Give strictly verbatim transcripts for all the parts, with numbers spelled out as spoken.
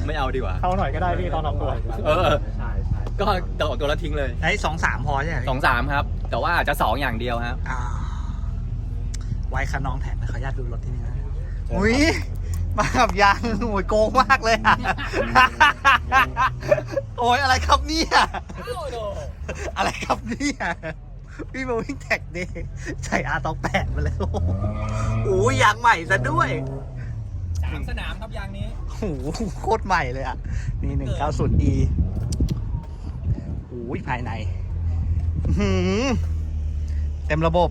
ไม่เอาดีกว่าเข้าหน่อยก็ได้พี่ตอนออกตัวเออก็ต่อตัวแล้วทิ้งเลยไอ้สองสามพอใช่ไหมสองสามครับ แต่ว่าอาจจะสองอย่างเดียวครับอ่าไว้คันน้องแถมขออนุญาตดูรถที่นี่นะอุ้ยมากับยางโอ้ยโกงมากเลยอะโอ้ยอะไรครับเนี่ยอะไรครับเนี่ยพี่มาวิ่งแท็กเดย์ใส่อาร์ตองแปดมาแล้วโอ้ยยางใหม่ซะด้วยสามสนามครับยางนี้โอ้โหโคตรใหม่เลยอ่ะ นี่หนึ่งเก้าศูนย์ E โอ้ยภายในอื้อหือเต็มระบบ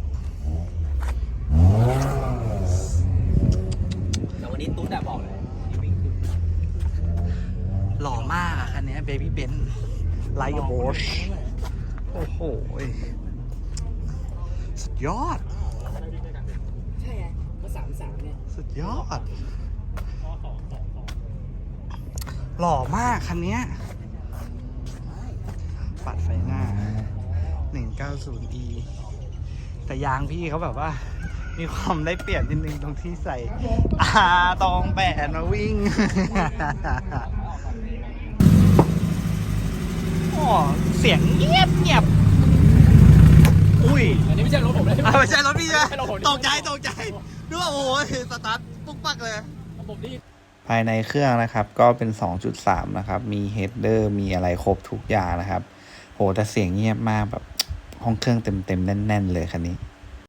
แต่วันนี้ตุ๊ดแต่บอกเลยหล่อมากอะคันนี้เบบี้เบนซ์ไลท์กับโบชโอ้โห สุดยอดใช่ไงก็สามสามเนี่ยสุดยอด หล่อมากคันนี้ปัดไฟหน้า หนึ่งเก้าศูนย์ E แต่ยางพี่เขาแบบว่า มีความได้เปรียบนิดนึงตรงที่ใส่อาตองแปดมาวิ่ง โอ้เสียงเงียบเงียบอุ้ยอันนี้ไม่ใช่รถผมเลยอ่ะไม่ใช่รถพี่ใช่ไหมไม่ใช่รถผมตกใจตกใจนึกว่าโอ้ยสตาร์ทปุ๊กปักเลยผมนี่ภายในเครื่องนะครับก็เป็น สองจุดสาม นะครับมีเฮดเดอร์มีอะไรครบทุกอย่างนะครับโหแต่เสียงเงียบมากแบบห้องเครื่องเต็มๆแน่นๆเลยคันนี้